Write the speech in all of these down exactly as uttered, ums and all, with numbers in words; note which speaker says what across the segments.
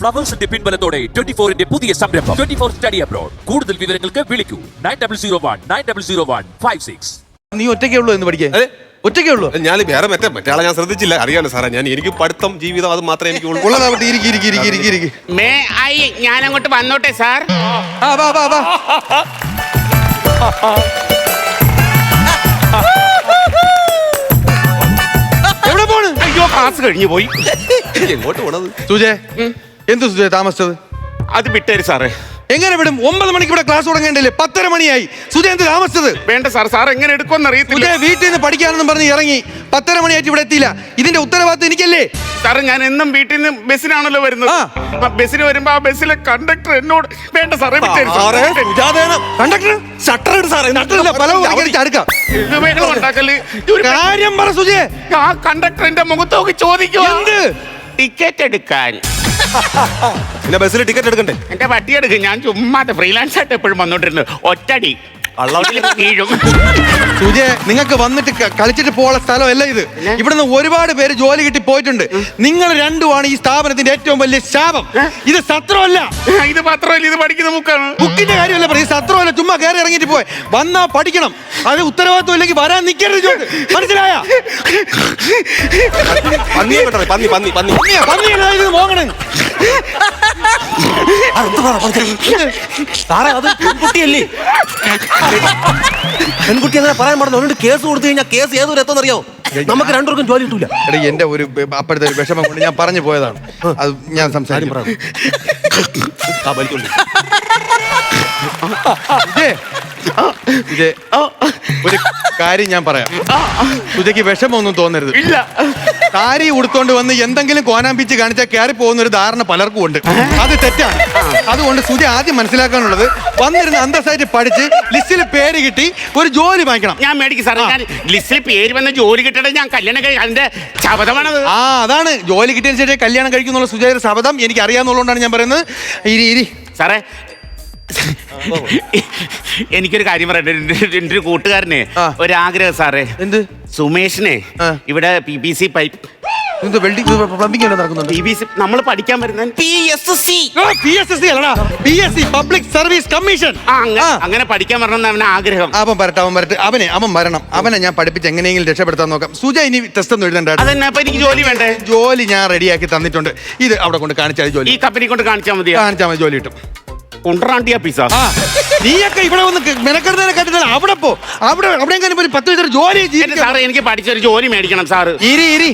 Speaker 1: ഫ്ലവേഴ്സിന്റെ പിൻബലത്തോടെ twenty ഫോറിന്റെ പുതിയ സംരംഭം ട്വന്റി ഫോർ സ്റ്റഡി അബ്രോഡ്. കൂടുതൽ വിവരങ്ങൾക്ക് വിളിക്കൂ nine double zero one nine double zero one five six.
Speaker 2: നീ ഒറ്റയ്ക്കേ ഉള്ളൂ എന്ന് പഠിക്കാൻ? ഒറ്റയ്ക്കേ ഉള്ളൂ?
Speaker 3: ഞാൻ വേറെ മറ്റേ മറ്റേ ആളെ ഞാൻ ശ്രദ്ധിച്ചില്ല. അറിയാലോ സാറേ, ഞാൻ എനിക്ക് പഠിത്തം ജീവിതം അത് മാത്രമേ എനിക്ക്
Speaker 2: ഉള്ളതാവട്ടെ. ഇരിക്കി ഇരിക്കി ഇരിക്കി ഇരിക്കി ഇരിക്കി.
Speaker 4: മേ ഐ ഞാൻ അങ്ങോട്ട് വന്നോട്ടെ സാർ?
Speaker 2: ആ വാ വാ വാ. എവിടെ പോണ്?
Speaker 4: അയ്യോ ക്ലാസ് കഴിഞ്ഞു പോയി.
Speaker 3: എങ്ങോട്ട് പോണത്?
Speaker 2: സുജേ, എന്ത് സുജേ താമസിച്ചത്?
Speaker 4: അത് വിട്ടേര് സാറേ.
Speaker 2: എങ്ങനെ വിടും? ഒമ്പത് മണിക്ക് ഇവിടെ ക്ലാസ് തുടങ്ങേണ്ടല്ലേ? പത്തര മണിയായി. സുജേ എന്ത് താമസിച്ചത്?
Speaker 4: വേണ്ട സാർ, സാർ എങ്ങനെ എടുക്കുമെന്ന് അറിയത്തില്ല.
Speaker 2: സുജേ വീട്ടിൽ നിന്ന് പഠിക്കാനെന്നും പറഞ്ഞ് ഇറങ്ങി പത്തര മണിയായിട്ട് ഇവിടെ എത്തിയില്ല. ഇതിന്റെ ഉത്തരവാദിത്വം എനിക്കല്ലേ?
Speaker 4: സാറേ ഞാൻ എന്നും വീട്ടിൽ നിന്ന് ബസ്സിനാണല്ലോ വരുന്നത്. ആ ബസ്സിന് വരുമ്പോ ആ ബസ്സിലെ കണ്ടക്ടർ എന്നോട് വേണ്ട സാറേ വിട്ടേര് സാറേ.
Speaker 2: കണ്ടക്ടർ ഷട്ടർ ഇട് സാറേ. കാര്യം പറ സുജേ.
Speaker 4: ആ കണ്ടക്ടർ എന്റെ മുഖത്ത് നോക്കി ചോദിക്കുക
Speaker 2: എന്ത്?
Speaker 4: ടിക്കറ്റ് എടുക്കാൻ.
Speaker 3: പിന്നെ ബസ്സിൽ ടിക്കറ്റ് എടുക്കണ്ടേ?
Speaker 4: എന്റെ പട്ടി എടുക്കും. ഞാൻ ചുമ്മാതെ ഫ്രീലാൻസ് ആയിട്ട് എപ്പോഴും വന്നോണ്ടിരുന്നു. ഒറ്റടി വീഴും.
Speaker 2: സുജേ, നിങ്ങൾക്ക് വന്നിട്ട് ക- കളിച്ചിട്ട് പോകാനുള്ള സ്ഥലമല്ല ഇത്. ഇവിടുന്ന് ഒരുപാട് പേര് ജോലി കിട്ടി പോയിട്ടുണ്ട്. നിങ്ങൾ രണ്ടുമാണ് ഈ സ്ഥാപനത്തിന്റെ ഏറ്റവും വലിയ ശാപം. ഇത് സത്രമല്ല.
Speaker 4: ഇത് മാത്രമല്ല, ഇത് പഠിക്കുന്ന ബുക്കാണ്.
Speaker 2: ബുക്കിന്റെ കാര്യമല്ല പറയും. സത്രമല്ല. ചുമ്മാ കയറി ഇറങ്ങിയിട്ട് പോയി വന്നാ പഠിക്കണം. അത് ഉത്തരവാദിത്വം ഇല്ലെങ്കിൽ വരാൻ നിൽക്കരുത്. ജോലി മനസ്സിലായ?
Speaker 3: പന്നി പന്നി പന്നി പന്നി
Speaker 2: മോങ്ങണേ
Speaker 5: സാറേ, അത് പെൺകുട്ടിയല്ലേ? പെൺകുട്ടി അങ്ങനെ പറയാൻ പാടില്ല. അതുകൊണ്ട് കേസ് കൊടുത്തു കഴിഞ്ഞാൽ കേസ് ഏതൊരു എത്തുന്നറിയോ? നമുക്ക് രണ്ടുപേർക്കും ജോലി കിട്ടൂല.
Speaker 2: എടാ, എന്റെ ഒരു അപ്പോഴത്തെ ഒരു വിഷമം കൊണ്ട് ഞാൻ പറഞ്ഞു പോയതാണ്. അത് ഞാൻ സംസാരിക്കും. ഇതേ ഒരു കാര്യം ഞാൻ പറയാം. സുജയ്ക്ക് വിഷമൊന്നും തോന്നരുത്.
Speaker 4: ഇല്ല,
Speaker 2: സാരി ഉടുത്തോണ്ട് വന്ന് എന്തെങ്കിലും കോനാമ്പിച്ച് കാണിച്ചാൽ കയറി പോകുന്ന ഒരു ധാരണ പലർക്കും ഉണ്ട്. അത് തെറ്റാണ്. അതുകൊണ്ട് സുജ ആദ്യം മനസ്സിലാക്കാനുള്ളത്, വന്നിരുന്ന് അന്തസ്സായിട്ട് പഠിച്ച് ലിസ്റ്റിൽ പേര് കിട്ടി ഒരു ജോലി വാങ്ങിക്കണം.
Speaker 4: ഞാൻ മേടിക്കും സാറേ. ഞാൻ ലിസ്റ്റിൽ പേര് വന്ന ജോലി കിട്ടണേ ഞാൻ കല്യാണം കഴിക്കും. അതിന്റെ ശബദമാണത്.
Speaker 2: ആ അതാണ് ജോലി കിട്ടിയതിന് ശേഷം കല്യാണം കഴിക്കുന്നുള്ള സുജയുടെ ശബ്ദം എനിക്ക് അറിയാവുന്നതുകൊണ്ടാണ് ഞാൻ പറയുന്നത്. ഇരി ഇരി
Speaker 4: സാറേ, എനിക്കൊരു കാര്യം പറയട്ടെ. എന്റെ ഒരു കൂട്ടുകാരനെ ഒരാഗ്രഹം സാറേ.
Speaker 2: എന്ത്?
Speaker 4: സുമേഷിനെ ഇവിടെ P B C pipe
Speaker 2: plumbing നടക്കുന്നുണ്ട്.
Speaker 4: പി ബി സി നമ്മൾ പഠിക്കാൻ വരുന്ന P S C
Speaker 2: P S C public service commission.
Speaker 4: അങ്ങനെ പഠിക്കാൻ വരണമെന്ന് അവന് ആഗ്രഹം.
Speaker 2: അവൻ വരട്ടെ, അവൻ വരട്ടെ. അവനെ അവൻ വരണം. അവനെ ഞാൻ പഠിപ്പിച്ച് എങ്ങനെയെങ്കിലും രക്ഷപ്പെടുത്താൻ നോക്കാം. സുജ ഇനി ടെസ്റ്റ് ഒന്നും എഴുതണ്ട.
Speaker 4: അതന്നെ. അപ്പൊ എനിക്ക് ജോലി വേണ്ടേ?
Speaker 2: ജോലി ഞാൻ റെഡിയാക്കി തന്നിട്ടുണ്ട്. ഇത് അവിടെ കൊണ്ട് കാണിച്ചാൽ ജോലി.
Speaker 4: ഈ കമ്പനി കൊണ്ട് കാണിച്ചാൽ മതി.
Speaker 2: കാണിച്ചാൽ മതി, ജോലി കിട്ടും.
Speaker 4: കൊണ്ടുറാണ്ടിയ പിസ.
Speaker 2: നീയൊക്കെ ഇവിടെ വന്ന് മെനക്കെടുന്നതിനെ കണ്ടില്ല. അവിടെ പോ. അവിടെ അവിടെ പത്ത് വയസ്സൊരു ജോലി
Speaker 4: സാറേ, എനിക്ക് പഠിച്ചൊരു ജോലി മേടിക്കണം സാറ്.
Speaker 2: ഇരി ഇരി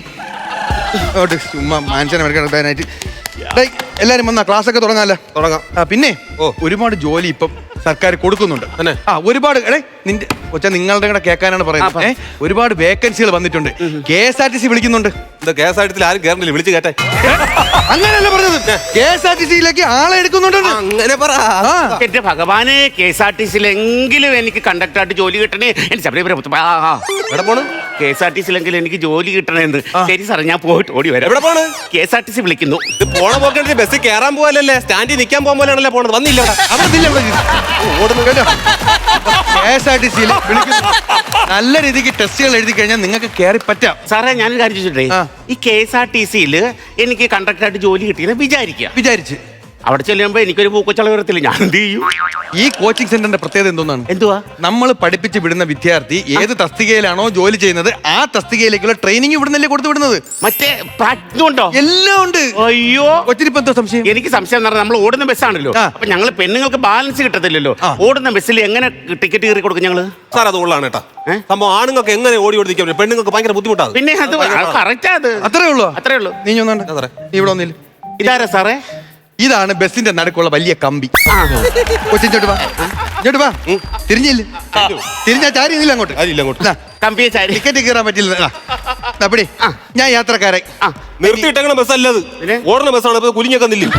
Speaker 2: ചുമ്മാ മനുഷ്യനെ മെനക്കെടുക്കാനായിട്ട്. എല്ലാരും വന്നാ ക്ലാസ് ഒക്കെ തുടങ്ങാല്ലോ?
Speaker 3: തുടങ്ങാം.
Speaker 2: ആ പിന്നെ ഒരുപാട് ജോലി ഇപ്പം സർക്കാർ കൊടുക്കുന്നുണ്ട്. ആ ഒരുപാട് എടേ നിന്റെ കൊച്ച നിങ്ങളുടെ കൂടെ കേൾക്കാനാണ് പറയുന്നത്. ഏഹ് ഒരുപാട് വേക്കൻസികൾ വന്നിട്ടുണ്ട്. K S R T C വിളിക്കുന്നുണ്ട്.
Speaker 3: കെ എസ് ആർ ടി സിയിൽ ആരും കയറുന്നില്ല. വിളിച്ച് കേട്ടെ.
Speaker 2: അങ്ങനെയല്ല പറഞ്ഞത്. കെ എസ് ആർ ടി സിയിലേക്ക് ആളെ എടുക്കുന്നുണ്ട്.
Speaker 3: അങ്ങനെ പറ.
Speaker 4: എന്റെ ഭഗവാനെ, കെ എസ് ആർ ടി സിയിലെങ്കിലും എനിക്ക് കണ്ടക്ടറായിട്ട് ജോലി കിട്ടണേ. എനിക്ക്
Speaker 3: എവിടെ പോണ്?
Speaker 4: കെ എസ് ആർ ടി സിയിലെങ്കിലും എനിക്ക് ജോലി കിട്ടണേന്ന്. ശരി സാറേ, ഞാൻ പോയിട്ട് ഓടി വരാം.
Speaker 3: എവിടെ പോണ്?
Speaker 4: K S R T C വിളിക്കുന്നു.
Speaker 3: ഇത് പോണ പോക്കേ ബസ്സിൽ കയറാൻ പോകലല്ലേ, സ്റ്റാൻഡിൽ നിൽക്കാൻ പോകാൻ പോലെയാണല്ലേ പോണത്. വന്നില്ല
Speaker 2: ഓടുന്നു കേട്ടോ. കെ എസ് ആർ ടി സിയിൽ നല്ല രീതിക്ക് ടെസ്റ്റുകൾ എഴുതി കഴിഞ്ഞാൽ നിങ്ങൾക്ക് കയറി പറ്റാം.
Speaker 4: സാറേ, ഞാൻ കാര്യം ചോദിച്ചിട്ടേ, ഈ കെ എസ് ആർ ടി സിയിൽ എനിക്ക് കണ്ടക്ടറായിട്ട് ജോലി കിട്ടിയെന്ന് വിചാരിക്കുക.
Speaker 2: വിചാരിച്ച്
Speaker 4: അവിടെ ചെല്ലുമ്പോ എനിക്കൊരു പൂക്കച്ചള വരത്തില്ല. ഞാൻ എന്ത് ചെയ്യും?
Speaker 2: ഈ കോച്ചിങ് സെന്ററിന്റെ പ്രത്യേകത എന്തോന്നാണ്?
Speaker 4: എന്തുവാ?
Speaker 2: നമ്മൾ പഠിപ്പിച്ച് വിടുന്ന വിദ്യാർത്ഥി ഏത് തസ്തികയിലാണോ ജോലി ചെയ്യുന്നത് ആ തസ്തികയിലേക്കുള്ള ട്രെയിനിങ് ഇവിടുന്നല്ലേ കൊടുത്തു വിടുന്നത്.
Speaker 4: മറ്റേ പ്രാക്ടിക്കും ഉണ്ടോ?
Speaker 2: എല്ലാം ഉണ്ട്.
Speaker 4: അയ്യോ,
Speaker 2: കൊച്ചിനിപ്പോ എന്തോ സംശയം?
Speaker 4: എനിക്ക് സംശയം എന്ന് പറഞ്ഞാൽ നമ്മൾ ഓടുന്ന ബസ്സാണല്ലോ. അപ്പൊ ഞങ്ങൾ പെണ്ണുങ്ങൾക്ക് ബാലൻസ് കിട്ടത്തില്ലല്ലോ. ഓടുന്ന ബസ്സിൽ എങ്ങനെ ടിക്കറ്റ് കയറി കൊടുക്കും ഞങ്ങള്?
Speaker 3: സാർ അത് ഉള്ളതാണ് കേട്ടാ സംഭവം. ആണുങ്ങൾക്ക് എങ്ങനെ ഓടി ഓടിക്കാൻ, പെണ്ണുങ്ങൾക്ക് ഭയങ്കര ബുദ്ധിമുട്ടാണ്.
Speaker 4: പിന്നെ അത് കറക്റ്റാ. അത്
Speaker 2: അത്രേ ഉള്ളൂ.
Speaker 4: അത്രേ ഉള്ളൂ.
Speaker 2: നീ ഒന്നാണ് നീ ഇവിടെ ഒന്നില്ല.
Speaker 4: ഇതാരാ സാറേ?
Speaker 2: ഇതാണ് ബസ്സിന്റെ നടുക്കുള്ള വലിയ കമ്പി. കൊച്ചിങ്ങോട്ട് വാ, ഇങ്ങോട്ട് വാ. തിരിഞ്ഞില്ല, തിരിഞ്ഞാ ചാരി ഇല്ല അങ്ങോട്ട്.
Speaker 4: കമ്പിയെ ചാരി
Speaker 2: ടിക്കറ്റ് കയറാൻ പറ്റില്ല. അപ്പടി ഞാൻ യാത്രക്കാരെ
Speaker 3: നിർത്തിയിട്ടേക്കണ ബസ്സല്ലത്, ഓടുന്ന ബസ്സാണ്. കുലിഞ്ഞൊക്കെ നില്ലും.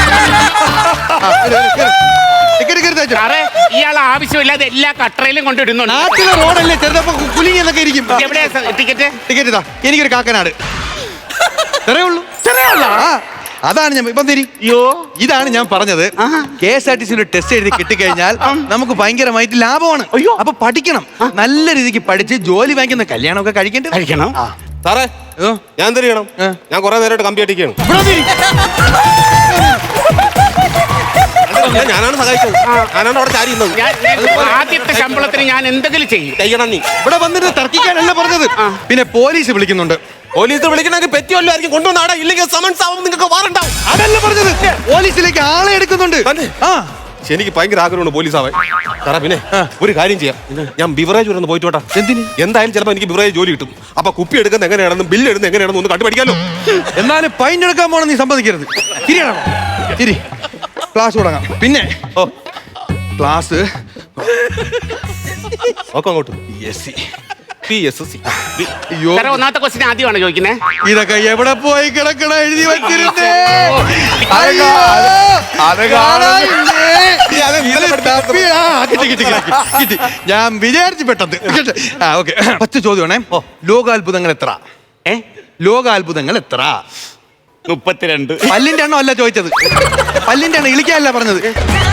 Speaker 4: ഇയാൾ ആവശ്യമില്ലാതെ എല്ലാ കട്ടറയിലും കൊണ്ടിടുന്നുണ്ട്.
Speaker 2: നാട്ടിലെ റോഡല്ലേ ചെറുതപ്പോ കുലിങ്ങി എന്നൊക്കെ ഇരിക്കും.
Speaker 4: എവിടെയാ ടിക്കറ്റ്?
Speaker 2: ടിക്കറ്റ് ഇതാ, എനിക്കൊരു കാക്കനാട്. ഇത്രേ ഉള്ളൂ. അതാണ് ഞാൻ ഇപ്പം തിരി. ഇതാണ് ഞാൻ പറഞ്ഞത്. കെ എസ് ആർ ടി സിയുടെ ടെസ്റ്റ് എഴുതി കിട്ടിക്കഴിഞ്ഞാൽ നമുക്ക് ഭയങ്കരമായിട്ട് ലാഭമാണ്. അപ്പൊ പഠിക്കണം. നല്ല രീതിക്ക് പഠിച്ച് ജോലി വാങ്ങിക്കുന്ന കല്യാണമൊക്കെ കഴിക്കേണ്ടത്
Speaker 4: കഴിക്കണം.
Speaker 3: സാറേ, ഞാൻ എന്ത് ചെയ്യണം? ഞാൻ കുറെ നേരമായിട്ട് കമ്പി അടിക്കണം. ഞാൻ- ഞാനാണ് സഹായിച്ചത് ഞാനാണ് അവിടെ ചാരി ഇരുന്നത്.
Speaker 4: ഞാൻ ഞാൻ ആദ്യത്തെ ശമ്പളത്തിന് ഞാൻ എന്തെങ്കിലും ചെയ്യും.
Speaker 3: ചെയ്യണം നീ.
Speaker 2: ഇവിടെ വന്നിട്ട് തർക്കിക്കാനല്ല പറഞ്ഞത്. പിന്നെ പോലീസ് വിളിക്കുന്നുണ്ട്.
Speaker 3: പോലീസ് വിളിക്കണമെങ്കിൽ പറ്റിയല്ലോ ആയിരിക്കും കൊണ്ടുവന്ന ആടാ, ഇല്ലെങ്കിൽ സമൻസ് ആവും, നിങ്ങൾക്ക് വാറണ്ടാവും.
Speaker 2: അതല്ല പറഞ്ഞത്. പോലീസിലേക്ക് ആളെ എടുക്കുന്നുണ്ട്.
Speaker 3: തന്നെ?
Speaker 2: ആ
Speaker 3: പക്ഷെ എനിക്ക് ഭയങ്കര ആഗ്രഹമുണ്ട് പോലീസ് ആവാൻ. സാറാ പിന്നെ ഒരു കാര്യം ചെയ്യാം, ഞാൻ ബിവറേജ് വരെ ഒന്ന് പോയിട്ട് വേട്ടാ.
Speaker 2: എന്തിന്?
Speaker 3: എന്തായാലും ചിലപ്പോൾ എനിക്ക് ബിവറേജ് ജോലി കിട്ടും. അപ്പൊ കുപ്പി എടുക്കുന്നത് എങ്ങനെയാണെന്നും ബില്ല് എടുക്കുന്നത് എങ്ങനെയാണെന്നും ഒന്ന് കണ്ടുപിടിക്കാലോ.
Speaker 2: എന്നാലും ഫൈൻ എടുക്കാൻ പോണം നീ സമ്മതിക്കരുത്. തിരിയണം തിരി. ക്ലാസ് തുടങ്ങാം. പിന്നെ
Speaker 3: ഓ
Speaker 2: ക്ലാസ്
Speaker 3: ഒക്കെ അങ്ങോട്ട്
Speaker 2: S C
Speaker 3: P S C.
Speaker 2: അയ്യോ
Speaker 4: സാറേ ഒന്നാമത്തെ ക്വസ്റ്റ്യൻ ആദ്യമാണ് ചോദിക്കുന്നത്.
Speaker 2: ഇതൊക്കെ എവിടെ പോയി കിടക്കണ എഴുതി വെച്ചിരുന്നേ.
Speaker 3: അതൊക്കെ-
Speaker 2: അയ്യോ,
Speaker 3: അതൊക്കെ
Speaker 2: കാണാനില്ലേ?
Speaker 3: അത് വീട്ടിൽ
Speaker 2: ഇത് തപ്പി, ആ, കിട്ടി, കിട്ടി, കിട്ടി, കിട്ടി. ഞാൻ വിചാരിച്ചു പെട്ടത്. ആ ഓക്കെ. പത്ത് ചോദ്യമാണേ. ലോകാത്ഭുതങ്ങൾ എത്ര?
Speaker 4: ഏ
Speaker 2: ലോകാത്ഭുതങ്ങൾ എത്ര?
Speaker 4: മുപ്പത്തിരണ്ട്.
Speaker 2: പല്ലിന്റെ എണ്ണം അല്ല ചോദിച്ചത്. പല്ലിന്റെ എണ്ണം ഇളിക്കാനല്ല പറഞ്ഞത്.